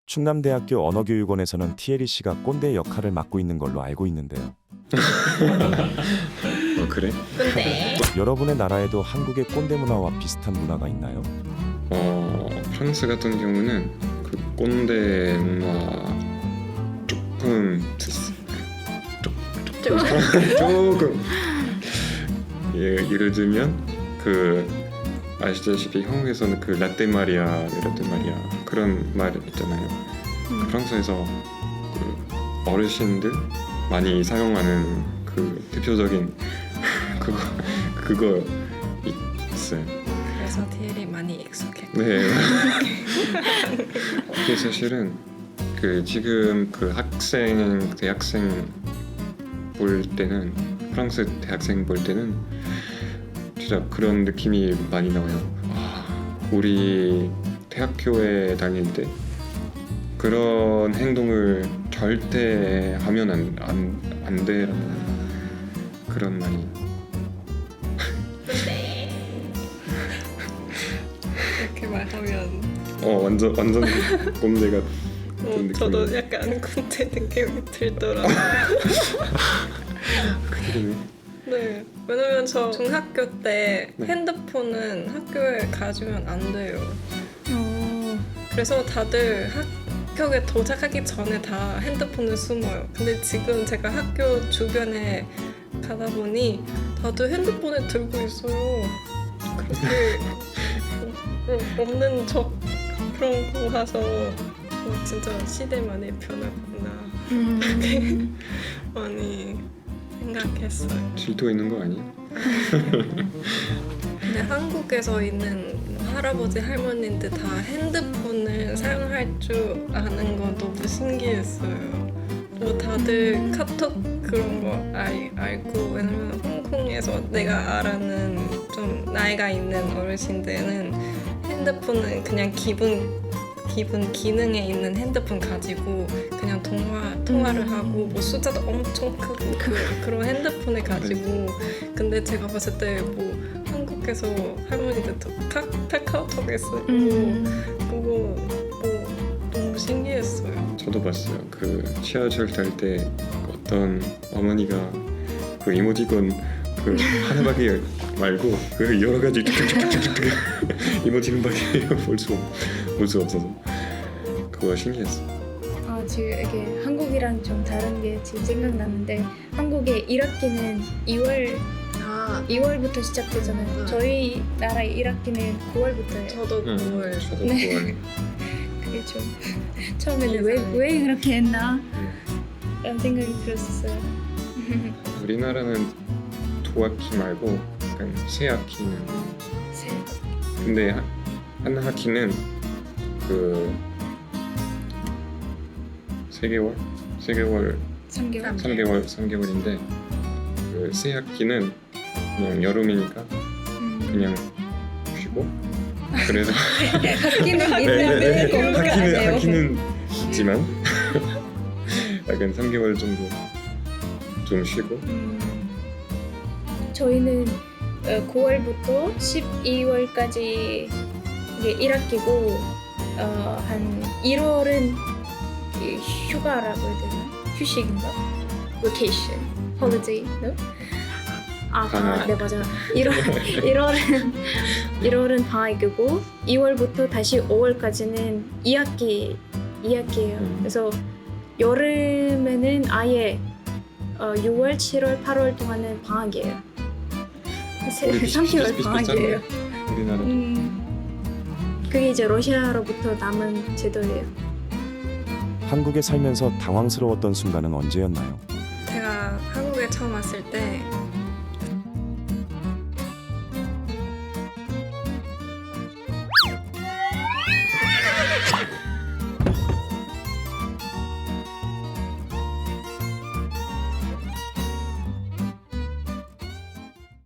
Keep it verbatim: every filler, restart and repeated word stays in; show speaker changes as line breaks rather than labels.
충남대학교 언어교육원에서는 티에리 씨가 꼰대 역할을 맡고 있는 걸로 알고 있는데요.
어 그래?
근데
여러분의 나라에도 한국의 꼰대 문화와 비슷한 문화가 있나요?
어 프랑스 같은 경우는 그 꼰대 문화 조금
좀
조금 예, 예를 들면 그 아시다시피 한국에서는 그 라떼 마리아, 라떼 마리아 그런 말 있잖아요. 그 프랑스에서 그 어르신들 많이 사용하는 그 대표적인 그거 그거 있어요.
그래서 티엘이 많이 익숙해.
네. 그게 사실은 그 지금 그 학생 대학생 볼 때는 프랑스 대학생 볼 때는 진짜 그런 느낌이 많이 나와요. 아, 우리 대학교에 다닐 때 그런 행동을 절대 하면 안, 안, 안 돼라는 그런 말이.
근데 이렇게 말하면
어 완전 완전 꼰대 같은
어,
느낌이.
저도 약간 꼰대 느낌이 들더라고요.
그러네.
네, 왜냐면 저 중학교 때
네.
핸드폰은 학교에 가지면 안 돼요.
어,
그래서 다들 학교에 도착하기 전에 다 핸드폰을 숨어요. 근데 지금 제가 학교 주변에 가다 보니 다들 핸드폰을 들고 있어요. 그렇게 어, 없는 척 그런 거 봐서 어, 진짜 시대 많이 변했구나
음,
많이 생각했어요.
질투 있는 거 아니야?
근데 한국에서 있는 할아버지 할머니들 다 핸드폰을 사용할 줄 아는 거 너무 신기했어요. 뭐 다들 카톡 그런 거 알, 알고 왜냐면 홍콩에서 내가 알아는 좀 나이가 있는 어르신들은 핸드폰은 그냥 기본 기본 기능에 있는 핸드폰 가지고 그냥 통화 통화를
음.
하고 뭐 숫자도 엄청 크고 그, 그런 핸드폰을 가지고 근데 제가 봤을 때 뭐 한국에서 할머니들도 카, 카카오톡에 쓰고
음,
그거 뭐 너무 신기했어요.
저도 봤어요. 그 지하철 탈 때 어떤 어머니가 그 이모티콘 그 하나밖에 말고 그 여러 가지 툭툭툭툭툭 이모티콘밖에 볼수 볼 수 없어서 그거 신기했어.
아, 지금 이게 한국이랑 좀 다른 게 지금 생각나는데 한국의 일 학기는 이월
아
이월부터 시작되잖아요.
네.
저희 나라 일 학기는 구월부터예요.
저도
응,
그걸
저도
네.
그걸
그게 좀 처음에는 왜 왜 그렇게 했나 라는 생각이 들었었어요.
우리나라는 두 학기 말고 약간 세 학기는
세-
근데 하- 한 학기는 그 세 개월 세 개월
삼 개월.
삼 개월 삼 개월인데 그 세 학기는 그냥 여름이니까
음.
그냥 쉬고 그래서
학기는
네,
있는데 공부를 안
학기는
해요.
학기는 있지만 약간 삼 개월 정도 좀 쉬고
음, 저희는 어, 구월부터 십이월까지 이게 일 학기고 어, 한 일월은 이 휴가라고 해야 되나? 휴식인가? vacation, holiday, no? 아, 방학,
방학.
네 맞아. 일월, 일월은 일월은 방학이고 이월부터 다시 오월까지는 이 학기 이 학기예요.
음.
그래서 여름에는 아예 어, 유월, 칠월, 팔월 동안은 방학이에요.
우리 비슷-
삼 개월
비슷-
방학이에요.
비슷비슷하네. 우리나라
음, 그게 이제 러시아로부터 남은 제도예요.
한국에 살면서 당황스러웠던 순간은 언제였나요?
제가 한국에 처음 왔을 때